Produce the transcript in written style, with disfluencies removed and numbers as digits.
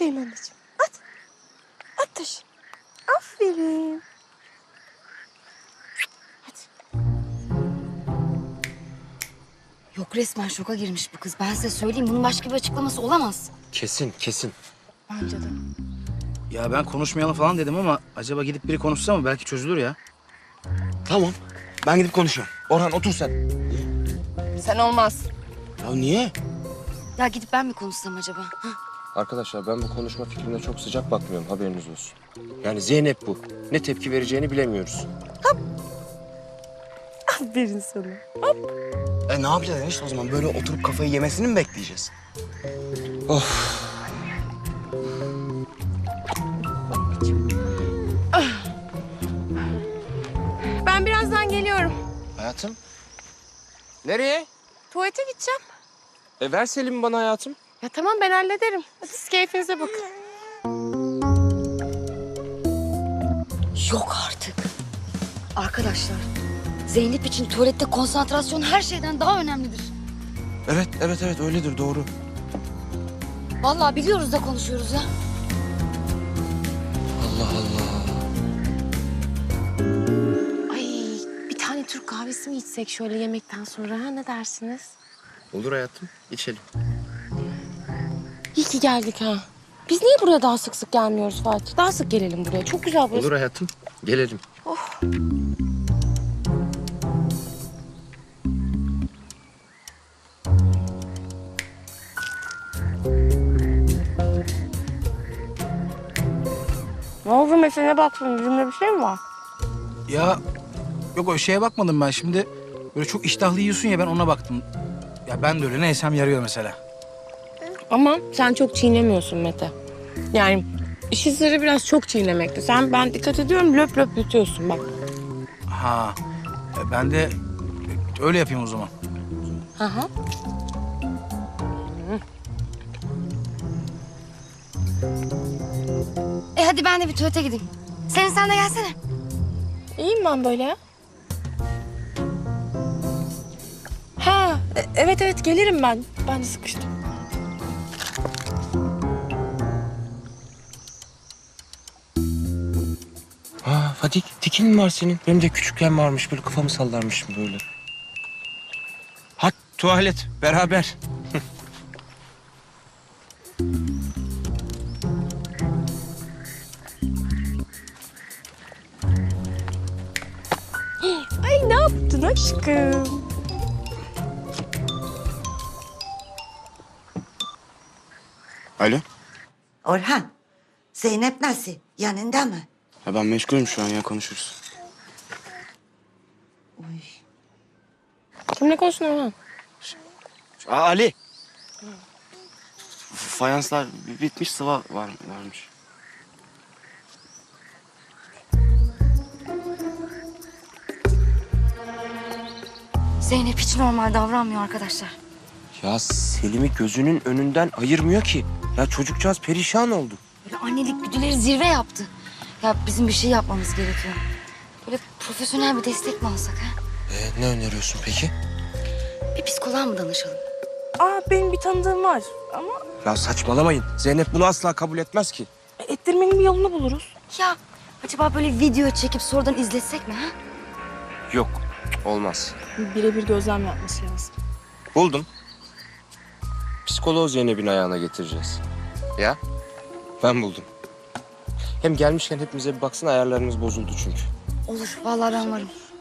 Aferin anneciğim. At. At taşı. Aferin. Hadi. Yok, resmen şoka girmiş bu kız. Ben size söyleyeyim, bunun başka bir açıklaması olamaz. Kesin, kesin. Bence de. Ya ben konuşmayalım falan dedim ama acaba gidip biri konuşsa mı? Belki çözülür ya. Tamam. Ben gidip konuşuyorum. Orhan otur sen. Sen olmaz. Ya niye? Ya gidip ben mi konuşsam acaba? Hı? Arkadaşlar ben bu konuşma fikrine çok sıcak bakmıyorum. Haberiniz olsun. Yani Zeynep bu. Ne tepki vereceğini bilemiyoruz. Aferin sana. Ne yapacağız enişte o zaman? Böyle oturup kafayı yemesini mi bekleyeceğiz? Ben birazdan geliyorum. Hayatım? Nereye? Tuvalete gideceğim. Ver Selim'i bana hayatım. Ya tamam, ben hallederim. Hadi siz keyfinize bakın. Yok artık. Arkadaşlar, Zeynep için tuvalette konsantrasyon her şeyden daha önemlidir. Evet öyledir doğru. Vallahi biliyoruz da konuşuyoruz ya. Allah Allah. Ay, bir tane Türk kahvesi mi içsek şöyle yemekten sonra, ha? Ne dersiniz? Olur hayatım. İçelim. İyi ki geldik ha. Biz niye buraya daha sık sık gelmiyoruz Fatih? Daha sık gelelim buraya. Çok güzel burası. Olur hayatım. Gelelim. Ne oldu, mesele baktın? Yüzümde bir şey mi var? Ya yok o şeye bakmadım ben şimdi. Böyle çok iştahlı yiyorsun ya ben ona baktım. Ya ben de öyle ne yesem yarıyor mesela. Ama sen çok çiğnemiyorsun Mete. Yani işin sırrı biraz çok çiğnemekte. Ben dikkat ediyorum, löp löp yutuyorsun bak. Ha ben de öyle yapayım o zaman. Hı hı. Hadi ben de bir tuvalete gideyim. Sen de gelsene. İyiyim ben böyle ya. Ha, evet gelirim ben. Ben de sıkıştım. Ha Fatih, tikin mi var senin? Benim de küçükken varmış. Böyle kafamı sallarmışım böyle. Ha tuvalet beraber. Ay, ne yaptın aşkım? Alo? Orhan, Zeynep nasıl? Yanında mı? Ya ben meşgulüm şu an ya konuşuruz. Kimle konuştun Orhan? Ali. Fayanslar bitmiş sıva varmış. Zeynep hiç normal davranmıyor arkadaşlar. Ya Selim'i gözünün önünden ayırmıyor ki. Ya çocukcağız perişan oldu. Böyle annelik güdüleri zirve yaptı. Ya bizim bir şey yapmamız gerekiyor. Böyle profesyonel bir destek mi alsak ha? Ne öneriyorsun peki? Bir psikoloğa mı danışalım? Benim bir tanıdığım var ama Ya saçmalamayın. Zeynep bunu asla kabul etmez ki. ettirmenin bir yolunu buluruz. Ya acaba böyle video çekip sonradan izletsek mi ha? Yok, olmaz. Birebir gözlem yapması lazım. Buldum. Psikoloğu Zeynep'in ayağına getireceğiz. Ya? Ben buldum. Hem gelmişken hepimize bir baksın, ayarlarımız bozuldu çünkü. Olur, vallahi ben varım.